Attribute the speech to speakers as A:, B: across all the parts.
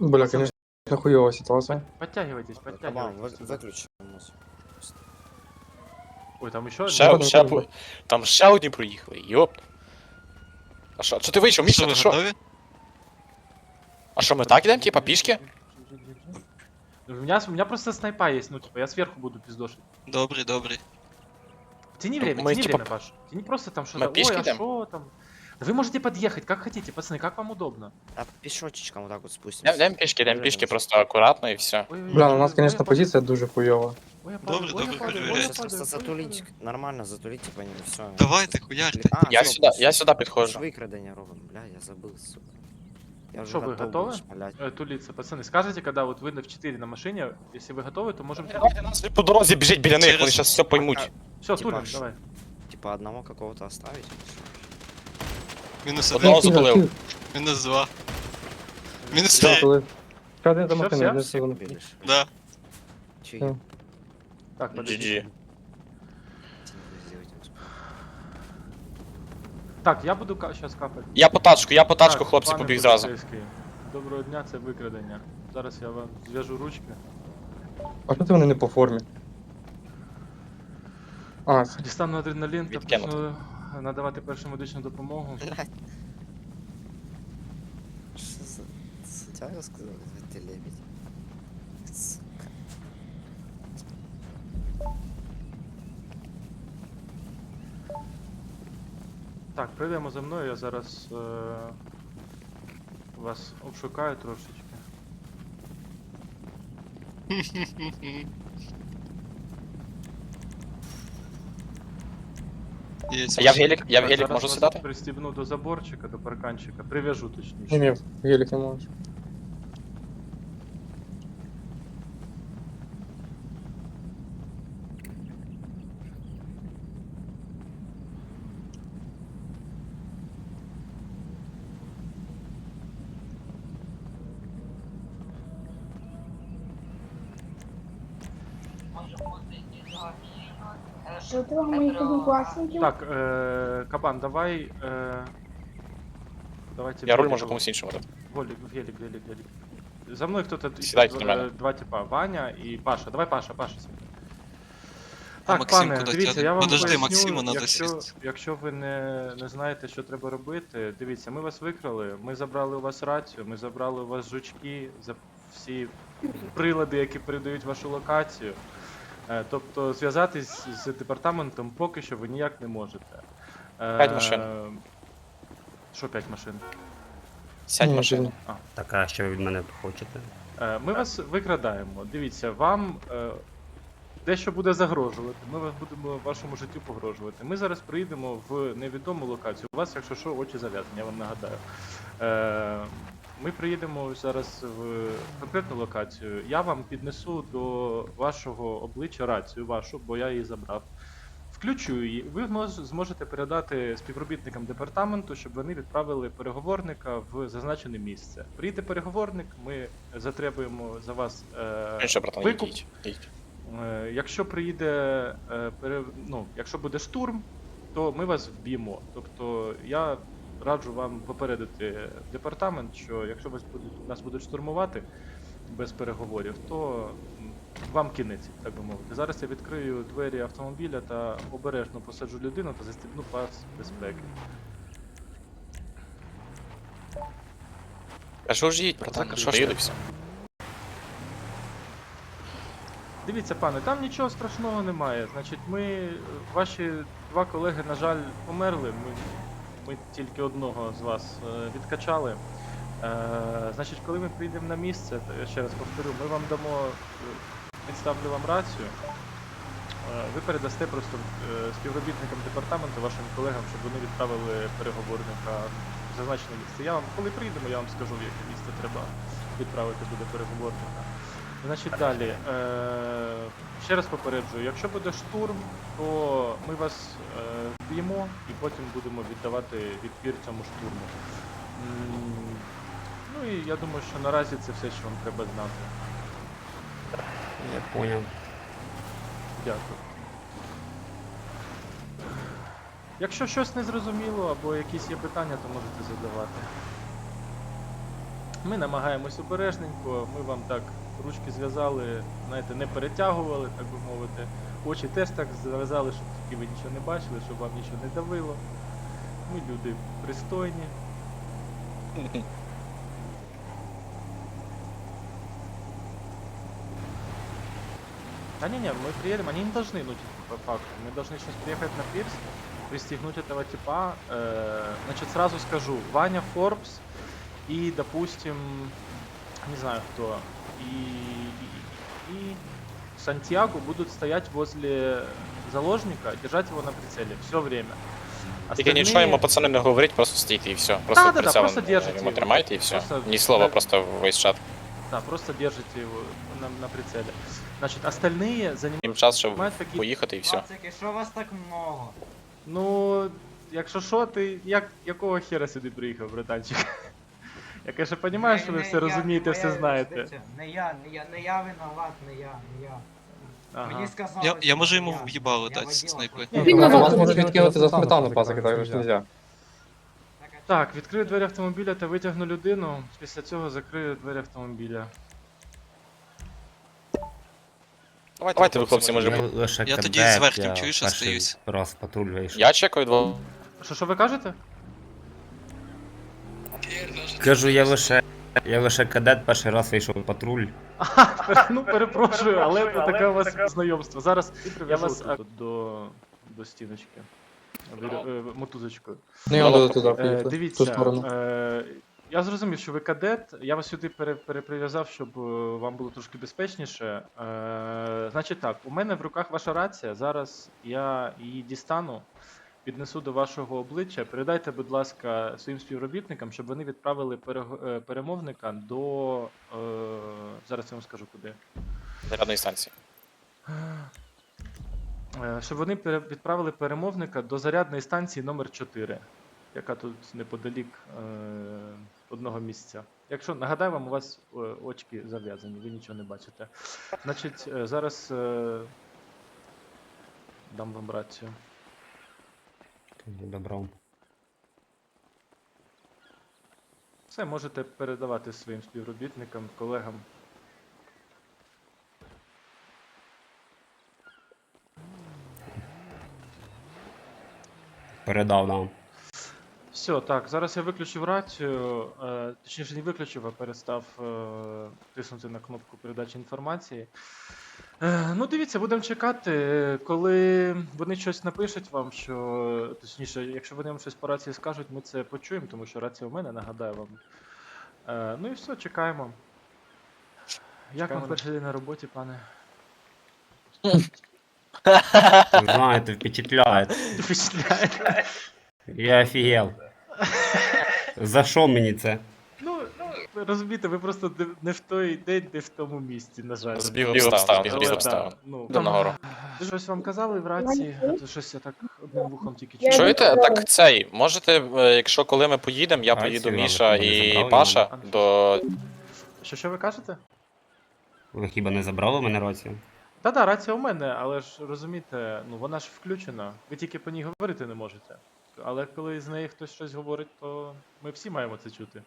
A: Бля, конечно, хуёвая ситуация.
B: Подтягивайтесь,
C: Кабан,
B: подтягивайтесь. сюда.
C: выключи.
B: Ой, там еще
A: Ще-
B: один.
A: ще-
D: Там ще одні проїхали, йоп. А що ти вийшов, Міша,
E: Що,
D: ти
E: ви
D: що?
E: готові?
D: А що, ми так ідемо, типа, пішки?
B: У меня просто снайпа есть, ну типа я сверху буду пиздошить.
E: Добрий, добрий.
B: Тяни
D: Ну,
B: время,
D: мы,
B: тяни
D: типа,
B: время, Паш. Тяни просто там
D: мы
B: что-то.
D: пешки
B: Ой, а
D: идем?
B: что там? Да вы можете подъехать, как хотите, пацаны, как вам удобно.
C: А пешочечком вот так вот спустимся.
D: Йдемо пішки, просто акуратно і все.
B: Ой, ой,
A: Бля,
B: ой,
A: у нас,
B: ой,
A: конечно,
B: ой,
A: позиция дуже хуёва.
B: Ой, я падаю,
E: Добре,
B: ой, я
E: добре,
B: падаю, ой, я
E: перевіряйте.
B: падаю,
C: Просто
B: ой, я
C: затулить, нормально затулите по ним, все.
E: Давайте, хуярте.
D: Я сюди підходжу.
C: Викрадення робимо, бля, я забыл, сука. Я уже
B: Что, вы
C: готов
B: готовы?
C: был шмалять.
B: Тулиться, пацаны, скажите, когда вот вы в 4 на машине, если вы готовы, то можем...
D: Давайте нас по дорозі біжить біля них,
E: Через-
D: вони зараз все поймуть.
B: Все,
C: Типа,
B: тулим,
C: ш-
B: давай.
C: Типа одного какого-то оставить?
E: Мінус
D: Одного
E: один,
D: запалив.
E: мінус два. Мінус
A: Да,
E: три.
A: коли. Чекай, за
B: Всё,
A: машиною,
B: всё?
A: не
C: Всех
A: секунду.
C: убили.
E: Да.
C: Че
A: Всё.
C: я?
B: Так, подожди.
D: GG.
B: Так, я буду сейчас капать.
D: Я по тачку,
B: Так,
D: хлопці,
B: пане
D: побіг зразу.
B: поліцейський, доброго дня, це викрадення. Зараз я вам зв'яжу ручки.
A: А що це вони не по формі? А, це-
B: Дістану адреналін та
D: Відкинути.
B: почну надавати першу медичну допомогу.
C: Что за... Сантьяго сказал? Ты лебедь. Сука.
B: Так, прийдемо за мною, я зараз вас обшукаю трошечки.
E: Є
D: А я в гелік,
B: Так, зараз
D: можу
B: вас
D: сідати?
B: пристібну до заборчика, до парканчика, прив'яжу точніше.
A: ні, гелік не можеш.
F: Що ти моїх однокласників?
B: Так, Кабан, давай. Давайте.
D: Я руль можу комусь іншому дати.
B: Волік, гелік. За мною хто-то
D: Сідайте на мене.
B: два типа, Ваня і Паша. Давай Паша.
E: А
B: Так,
E: Максим
B: пане,
E: куди
B: дивіться,
E: тягне?
B: я вам
E: Подожди,
B: поясню,
E: Максиму надо
B: якщо,
E: сісти.
B: якщо ви не знаєте, що треба робити, дивіться, ми вас викрали, ми забрали у вас рацію, ми забрали у вас жучки, всі прилади, які передають вашу локацію. Тобто зв'язатись з департаментом поки що ви ніяк не можете.
D: 5 машин.
B: Що 5 машин?
D: Сядь в
A: Ні,
D: машину.
G: Так, а що ви від мене хочете?
B: Ми вас викрадаємо. Дивіться, вам дещо буде загрожувати. Ми вас будемо вашому життю погрожувати. Ми зараз приїдемо в невідому локацію. У вас, якщо що, очі зав'язані, я вам нагадаю. Ми приїдемо зараз в конкретну локацію. Я вам піднесу до вашого обличчя рацію вашу, бо я її забрав. Включу її. Ви зможете передати співробітникам департаменту, щоб вони відправили переговорника в зазначене місце. Приїде переговорник, ми затребуємо за вас
D: Що, братан,
B: викуп.
D: йдіть.
B: Якщо приїде, якщо буде штурм, то ми вас вб'ємо. Тобто я раджу вам попередити департамент, що якщо нас будуть штурмувати без переговорів, то вам кінець, так би мовити. Зараз я відкрию двері автомобіля та обережно посаджу людину та застібну пас безпеки.
D: А що ж їдь, братан,
B: Закрий.
D: що ж ти все?
B: Дивіться, пане, там нічого страшного немає. Значить, ваші два колеги, на жаль, померли. Ми тільки одного з вас відкачали. Значить, коли ми прийдемо на місце, то я ще раз повторю, ми вам дамо, підставлю вам рацію. Ви передасте просто співробітникам департаменту, вашим колегам, щоб вони відправили переговорника в зазначене місце. Коли прийдемо, я вам скажу, в яке місце треба відправити буде переговорника. Значить, далі. Ще раз попереджую, якщо буде штурм, то ми вас вб'ємо і потім будемо віддавати відпір цьому штурму. Ну і я думаю, що наразі це все, що вам треба знати.
G: Я понял.
B: Дякую. Якщо щось не зрозуміло або якісь є питання, то можете задавати. Ми намагаємось обережненько, ми вам так ручки зв'язали, знаєте, не перетягували, так би мовити. Очі теж так зав'язали, щоб тільки ви нічого не бачили, щоб вам нічого не давило. Ми люди пристойні. Не, мы приедем, они не должны, ну, типа, по факту. Мы должны сейчас приехать на пирс, пристегнуть этого типа. Значит, сразу скажу, Ваня Форбс и, допустим, не знаю кто, и Сантьяго будут стоять возле заложника, держать его на прицеле все время.
D: Тільки нічого йому пацани не говорить, просто стійте і все. Просто
B: Да-да-да,
D: прицелом
B: просто держите
D: йому
B: його.
D: тримайте і все.
B: Просто-
D: Ні слова,
B: да.
D: просто весь чат.
B: Да, просто держите его на прицеле. Значит, остальные
D: Їм час, щоб
B: занимают какие-то...
D: поїхати і все.
H: Пацики, що вас так много?
B: Ну, якщо що, ти якого хера сюди приїхав, братанчик? Я, конечно, розумію, що ви все розумієте, все знаєте.
H: Не я виноват, не я.
B: Ага.
H: Мені сказали,
E: Я
H: що
E: можу
H: не
E: йому
H: я.
E: в'їбало
H: Я
E: дати
H: водила
E: снайпи.
H: просто.
A: Вас можуть відкинути за сметану, пасики, так ж нельзя.
B: Так, відкрию двері автомобіля та витягну людину. Після цього закрию двері автомобіля.
D: Давайте ви, хлопці, може.
G: Я лише
E: Я тоді
G: кадет,
E: з верхнім,
G: я
E: чуєш,
G: перший
E: остаюсь.
G: раз патруль вийшов.
D: Я чекаю двох.
B: Що ви кажете?
G: Кажу, я лише кадет, перший раз вийшов в патруль.
B: Ну, перепрошую, але це таке у вас знайомство. Зараз я вас до стіночки. Мотузочкою.
A: Ну, я буду туди поїхати, в ту
B: Дивіться,
A: сторону.
B: я зрозумів, що ви кадет. Я вас сюди переприв'язав, щоб вам було трошки безпечніше. Значить так, у мене в руках ваша рація. Зараз я її дістану, піднесу до вашого обличчя. Передайте, будь ласка, своїм співробітникам, щоб вони відправили перемовника до. Зараз я вам скажу куди.
D: Зарядної станції.
B: Щоб вони відправили перемовника до зарядної станції номер 4, яка тут неподалік одного місця. Якщо нагадаю вам, у вас очки зав'язані, ви нічого не бачите. Значить, зараз дам вам рацію.
G: Добро.
B: Все можете передавати своїм співробітникам, колегам.
G: Передав нам.
B: Все, так, зараз я виключив рацію, точніше не виключив, а перестав тиснути на кнопку передачі інформації. Ну, дивіться, будемо чекати, коли вони щось напишуть вам, що, точніше, якщо вони вам щось по рації скажуть, ми це почуємо, тому що рація у мене, нагадаю вам. Ну і все, чекаємо. Як вам перший день на роботі, пане?
G: Знаєте, впечатляє.
B: Впечатляє.
G: Я офігел. За що мені це?
B: Ну, ви розумієте, ви просто не в той день, не в тому місці, на жаль.
D: Збіг обставин,
B: Але,
D: збіг обставин.
B: да, ну,
D: Йдемо нагору.
B: щось вам казали в рації? Це щось я так одним вухом тільки
F: Я
B: чую.
D: Чуєте?
F: відправила.
D: Так цей, можете, якщо коли ми поїдемо, я
G: Рацію
D: поїду,
G: вам
D: Міша
G: не
D: і
G: забрали,
D: Паша
B: Іван?
D: до.
B: Що ви кажете?
G: Ви хіба не забрали в мене рацію?
B: Та-да, рація у мене, але ж розумієте, ну вона ж включена. Ви тільки по ній говорити не можете. Але коли з неї хтось щось говорить, то ми всі маємо це чути.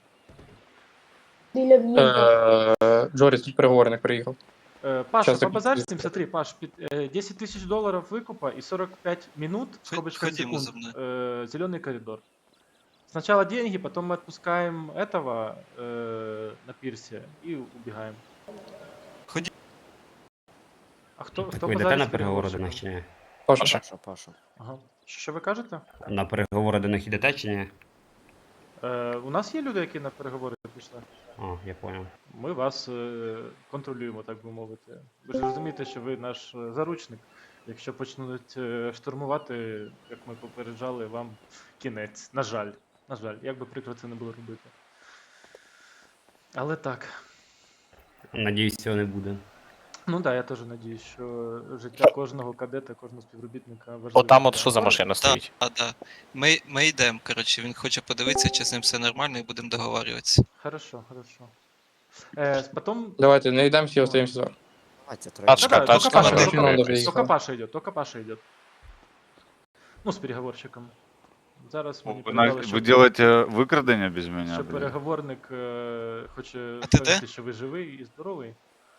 F: Біля в'їзду.
A: Джоріс, тут переговорник приїхав.
B: Паша,
A: Щас я
B: побазарь,
A: підписую.
B: смотри, Паш, 10 тысяч долларов выкупа и 45 минут, в скобочках
E: Ходимо
B: секунд,
E: за
B: зеленый коридор. Сначала деньги, потом мы отпускаем этого на пирсе и убегаем.
E: Ходи.
B: А хто
G: Так
B: хто
G: ви йдете
B: базарить
G: на
B: з
G: переговори до
B: переговорщиком?
G: них чи ні?
A: Паша.
C: Паша.
B: Ага. Що ви кажете?
G: На переговори до них йдете чи ні?
B: У нас є люди, які на переговори пішли.
G: О, я понял.
B: Ми вас контролюємо, так би мовити. Ви ж розумієте, що ви наш заручник. Якщо почнуть штурмувати, як ми попереджали, вам кінець. На жаль. На жаль, як би прикро це не було робити. Але так.
G: Надіюсь, цього не буде.
B: Ну так, да, я теж надіюсь, що життя кожного кадета, кожного співробітника важливе.
D: Отам от що за машина
E: Так,
D: стоїть.
E: так. Ми йдемо, коротше, він хоче подивитися, чи з ним все нормально, і будемо договарюватися.
B: Хорошо, хорошо. Потом...
A: Давайте, не йдемо, всі остаємося зараз.
C: Давайте,
D: Тачка,
B: Да-да,
D: тачка,
B: только Паша,
D: надо
B: только-
A: надо
B: только
A: выехать.
B: Паша идет, только Паша идет. Ну, с переговорщиком. Зараз мені
I: Вы,
B: передали,
I: вы делаете выкрадение без меня,
B: що
I: блин.
B: переговорник хоче
E: А ти де?
B: сказати, що ви живий і здоровий.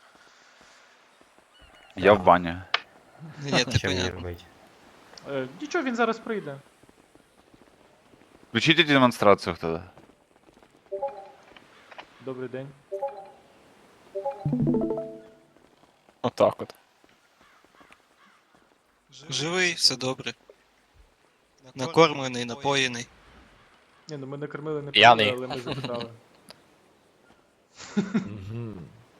I: Я в бане.
E: Ні, ти
G: Що мені
E: понятно.
G: робити?
B: Нічого, він зараз прийде.
I: Включите демонстрацию тогда.
B: Добрий день.
D: Отак от.
E: Живий, все добре. Накормлений, напоєний.
B: Ні, ну ми не кормили, не
D: П'яний.
B: поїли, але ми запитали.
J: Мгм.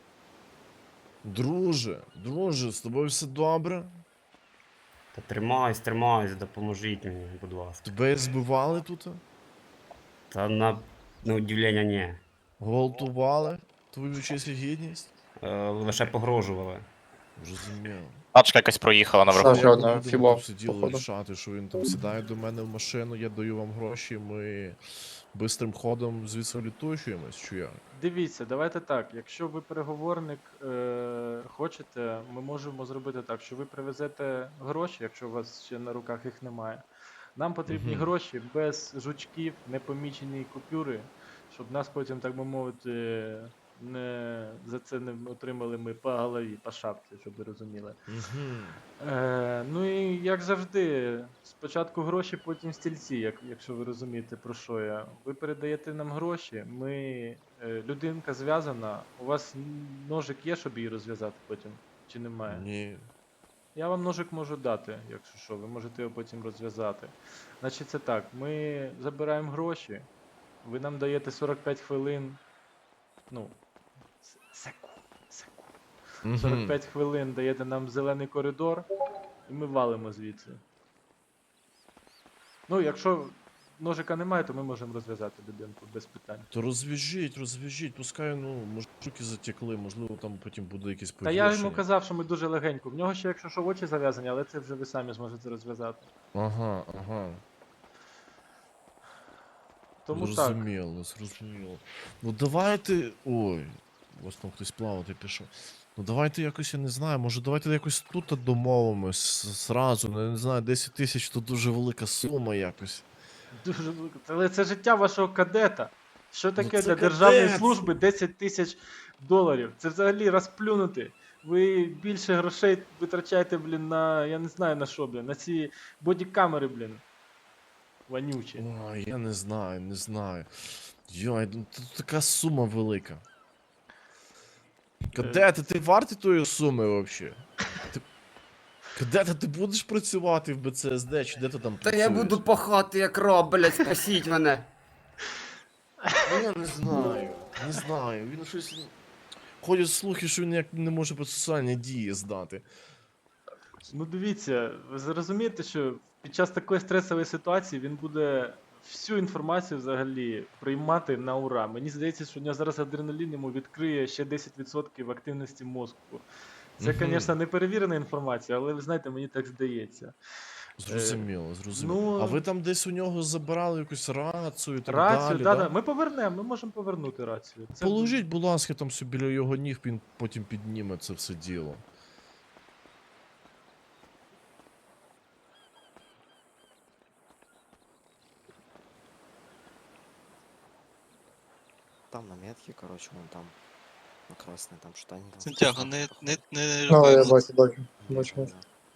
J: Друже, з тобою все добре?
G: Та тримаюсь, допоможіть мені, будь ласка.
J: Тебе збивали тут?
G: Та на удивлення ні.
J: Гвалтували? Твою честь і гідність?
G: Лише погрожували.
J: Розуміло.
D: Тачка якась проїхала наверху.
A: Ще одна
J: Будемо
A: фіба,
J: тут сиділи
A: походу.
J: рішати, що він там сідає до мене в машину, я даю вам гроші, ми бистрим ходом звідси влітучуємось, чи як?
B: Дивіться, давайте так. Якщо ви переговорник хочете, ми можемо зробити так, що ви привезете гроші, якщо у вас ще на руках їх немає. Нам потрібні
J: Мгм.
B: гроші без жучків, непомічені купюри, щоб нас потім, так би мовити, не за це не отримали ми по голові, по шапці, щоб ви розуміли.
J: Угу.
B: Ну і як завжди, спочатку гроші, потім стільці, якщо ви розумієте, про що я. Ви передаєте нам гроші, людинка зв'язана, у вас ножик є, щоб її розв'язати потім, чи немає?
J: Ні.
B: Я вам ножик можу дати, якщо що, ви можете його потім розв'язати. Значить, це так, ми забираємо гроші, ви нам даєте 45 хвилин, ну, секунд. 45 хвилин даєте нам зелений коридор, і ми валимо звідси. Ну, якщо ножика немає, то ми можемо розв'язати людинку без питань.
J: То розв'яжіть, пускай, ну, може, руки затекли, можливо, там потім буде якесь
B: Та
J: погіршення.
B: я йому казав, що ми дуже легенько. В нього ще, якщо що, очі зав'язані, але це вже ви самі зможете розв'язати.
J: Ага.
B: Тому так.
J: Зрозуміло. Ну давайте. Ой, у вас там хтось плавати пішов. Ну давайте якось, я не знаю, може давайте якось тут домовимось зразу, ну, не знаю, 10 тисяч то дуже велика сума якось.
B: Дуже велико. Але це життя вашого кадета. Що таке
J: це
B: для державної
J: кадет!
B: служби 10 тисяч доларів? Це взагалі розплюнути. Ви більше грошей витрачаєте, блін, на. Я не знаю на що, блін, на ці бодікамери, блін. Вонючі.
J: Ой, я не знаю. Йой, ну тут така сума велика. Кадети, ти вартий тої суми взагалі? Кадети, ти будеш працювати в БЦСД, чи де ти там
G: Та
J: працюєш?
G: я буду пахати як роб, блядь, спасіть мене.
J: Ну, я не знаю, він щось... Ходять слухи, що він як не може процесуальні дії здати.
B: Ну дивіться, ви зрозумієте, що під час такої стресової ситуації він буде всю інформацію взагалі приймати на ура. Мені здається, що у нього зараз адреналін йому відкриє ще 10% активності мозку. Це,
J: Мгм.
B: звісно, не перевірена інформація, але ви знаєте, мені так здається.
J: Зрозуміло.
B: ну-
J: А ви там десь у нього забирали якусь рацію і так
B: Рацію,
J: далі,
B: да? Ми повернемо, ми можемо повернути рацію. Це
J: Положіть, будь ласка, там собі біля його ніг, він потім підніме це все діло.
C: Там на метке, короче, вон там. На красной, там что они там.
E: Сантьяго, не
A: Ну,
E: роби.
A: я
E: ну,
A: бачу.
C: Да,
A: Бачу.
C: да.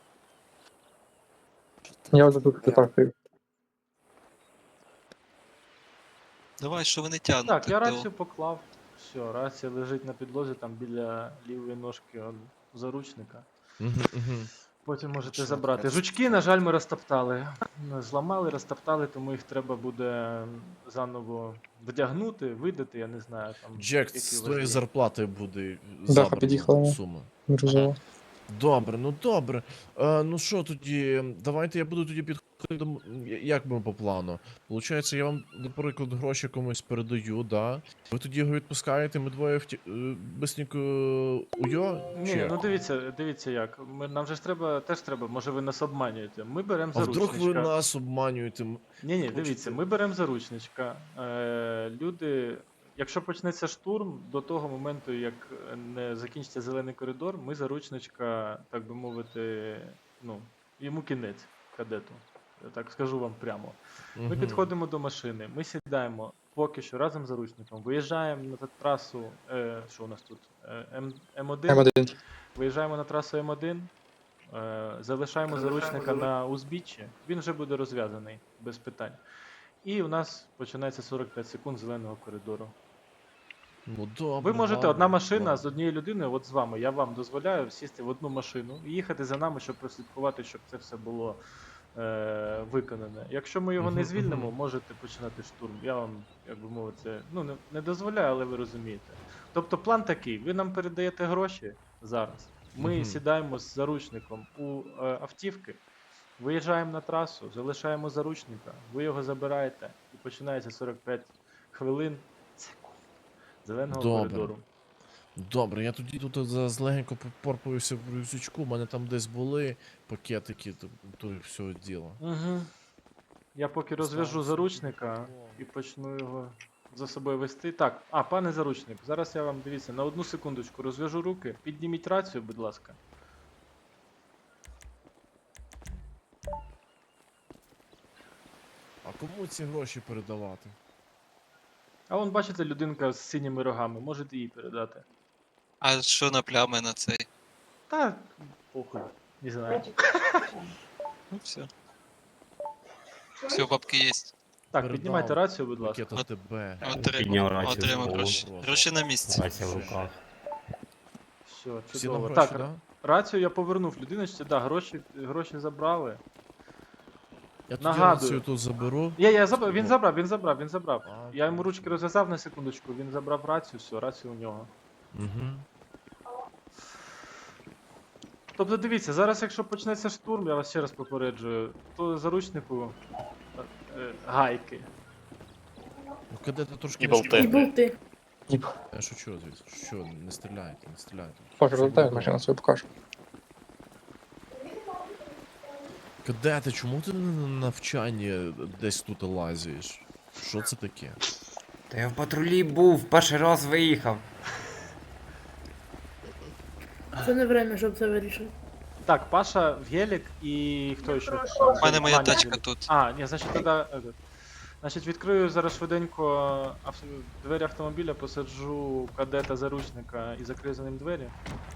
C: Что-то
A: Я вже тут
C: я-
A: так стою.
E: Давай, що вони тягнуть.
B: Так, я
E: то-
B: рацію поклав. Все, рація лежить на підлозі там біля лівої ножки заручника. Потім можете
C: Машина
B: забрати.
C: така
B: Жучки, на жаль, ми розтоптали. Зламали, розтоптали, тому їх треба буде заново вдягнути, видати, я не знаю. Там,
J: Джек,
B: які
J: з
B: у вас
J: твоєї
B: є.
J: зарплати буде
A: Даха під'їхала.
J: забрана сума.
A: Розумію.
J: Добре. Ну що тоді, давайте я буду тоді підходити до... Як ми по плану? Получається, я вам, наприклад, гроші комусь передаю, да? Ви тоді його відпускаєте, ми двоє бисенько уйо?
B: Ні, ну дивіться як. Нам же ж теж треба, може ви нас обманюєте. Ми беремо
J: А вдруг ви
B: заручничка.
J: нас обманюєте?
B: Ні,
J: хочете-
B: дивіться, ми беремо заручничка. Люди, якщо почнеться штурм, до того моменту, як не закінчиться зелений коридор, ми заручничка, так би мовити, ну, йому кінець, кадету. я так скажу вам прямо. Ми
J: Мгм.
B: підходимо до машини, ми сідаємо поки що разом з заручником, виїжджаємо на трасу, що у нас тут, М1,
A: М1.
B: виїжджаємо на трасу М1, залишаємо заручника на узбіччі, він вже буде розв'язаний, без питань. І у нас починається 45 секунд зеленого коридору.
J: Ну добре.
B: Ви можете,
J: ладно,
B: одна машина
J: ладно.
B: з однією людиною, от з вами, я вам дозволяю сісти в одну машину і їхати за нами, щоб прослідкувати, щоб це все було виконане. Якщо ми його не
J: Мгм,
B: звільнимо,
J: мгм.
B: можете починати штурм. Я вам, як би мовити, ну не дозволяю, але ви розумієте. Тобто план такий: ви нам передаєте гроші зараз. Ми
J: Мгм.
B: сідаємо з заручником у автівки, виїжджаємо на трасу, залишаємо заручника, ви його забираєте і починається 45 хвилин секунд зеленого
J: Добре.
B: коридору.
J: Добре, я тоді тут злегенько попорпаюся в рюкзачку, у мене там десь були пакетики, то всього діла.
B: Угу. Я поки розв'яжу
J: Ставлю
B: заручника
J: собі
B: і почну його за собою вести. Так, пане заручник, зараз я вам, дивіться, на одну секундочку розв'яжу руки. Підніміть рацію, будь ласка.
J: А кому ці гроші передавати?
B: А вон, бачите, людинка з синіми рогами, можете їй передати.
E: А що на плями на цей?
B: Та, похуй, не знаю.
E: Ну все. Все, бабки є.
B: Так,
J: Передав
B: піднімайте рацію, будь ласка.
J: Пакет АТБ.
G: Підняв
E: Отримав,
G: рацію
E: отримав
G: з
E: гроші.
J: голову.
E: Гроші на місці.
G: Рація в руках.
B: Все,
J: Всі нам
B: чудово.
J: гроші,
B: Так,
J: да?
B: рацію я повернув людиночці, да, гроші забрали.
J: Я тоді
B: Нагадую.
J: рацію тут заберу.
B: Я забрав, він забрав.
J: А,
B: Я йому ручки розв'язав на секундочку, він забрав рацію, все, рацію у нього.
J: Угу.
B: Тобто дивіться, зараз якщо почнеться штурм, я вас ще раз попереджую, то заручнику гайки.
J: Ну кадети трошки
D: І
J: не
D: болти.
J: шкодять.
F: І болти.
J: Я шучу, звісно. Що, не стріляйте, не стріляйте.
A: Покажу, роздай машину свою покажу.
J: Кадети, чому ти на навчанні десь тут лазиш? Що це таке?
G: Та я в патрулі був, перший раз виїхав.
F: Це не время, щоб це вирішити.
B: Так, Паша в гелік і хто ще?
E: У мене моя
B: Ваня
E: тачка
B: гелік.
E: тут.
B: Ні, значить тоді. Значить, відкрию зараз швиденько двері автомобіля, посаджу кадета заручника і закрию за ним двері.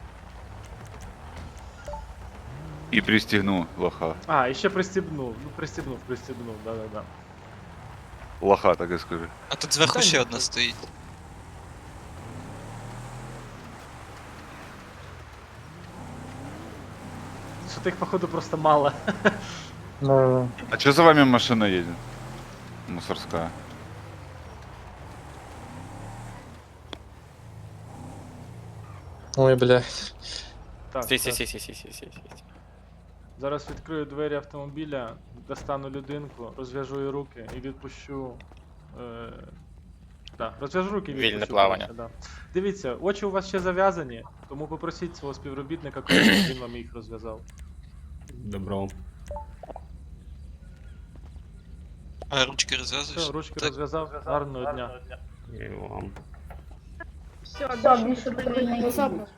I: І пристігну лоха.
B: І ще пристібнув. Ну, пристібнув, да-да-да.
I: Лоха, так і скажи.
E: А тут зверху
B: Та
E: ще
B: ні.
E: одна стоїть.
B: Що тих, походу, просто мало.
A: Ну,
I: А чого за вами машина їде? Мусорська.
A: ой, блядь.
B: Так,
D: Стій,
B: так.
D: стій.
B: Зараз відкрию двері автомобіля, достану людинку, розв'яжу її руки і відпущу. Розв'яжу руки і відпущу.
D: Вільне плавання.
B: коротше, да. Дивіться, очі у вас ще зав'язані, тому попросіть свого співробітника, коли він вам їх розв'язав.
G: Добро.
E: А ручки розв'язуєш?
B: Все, ручки
E: Так.
B: розв'язав, гарного дня.
G: І вам.
F: Все, більше прийняти.